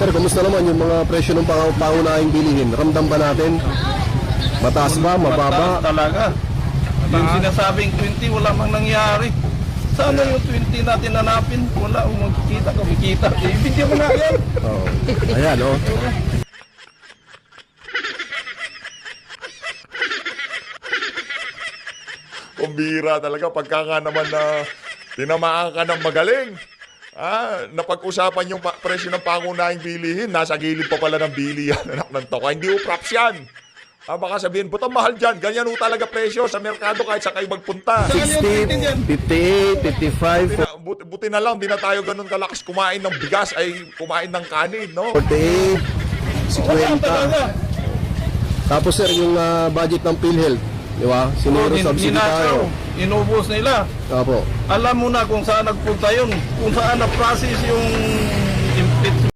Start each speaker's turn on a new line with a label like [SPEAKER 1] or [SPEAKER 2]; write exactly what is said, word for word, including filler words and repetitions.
[SPEAKER 1] Sir, kumusta naman yung mga presyo ng pang pangunahing bilihin? Ramdam ba natin? Mataas ba? Mababa?
[SPEAKER 2] Mataas talaga. Yung sinasabing twenty, wala mang nangyari. Sana yung twenty natin hanapin, wala kung magkikita, kumikita. I-video mo nga yan.
[SPEAKER 1] Oo. Ayan, oh.
[SPEAKER 3] Kumbira talaga pagka nga naman na tinamaan ka ng magaling. Ah, napag-usapan yung pa- presyo ng pangunahing bilihin, nasa gilid pa pala ng bilihan, anak ng toka. Hindi upraps yan. Ah, baka sabihin, butang mahal dyan. Ganyan ho talaga presyo sa merkado kahit sa kayo magpunta.
[SPEAKER 1] sixty, fifty-eight, fifty-five,
[SPEAKER 3] Buti na, buti, buti na lang, di na tayo ganun kalakas kumain ng bigas ay kumain ng kanin, no?
[SPEAKER 1] forty-eight,
[SPEAKER 2] Wala
[SPEAKER 1] fifty.
[SPEAKER 2] talaga.
[SPEAKER 1] Tapos sir, yung ah, budget ng PhilHealth, di ba? Sinuro
[SPEAKER 2] Nin-
[SPEAKER 1] subsidy tayo.
[SPEAKER 2] ninakaw, inubos nila.
[SPEAKER 1] Opo.
[SPEAKER 2] Alam mo na kung saan nagpunta yun, kung saan na-process yung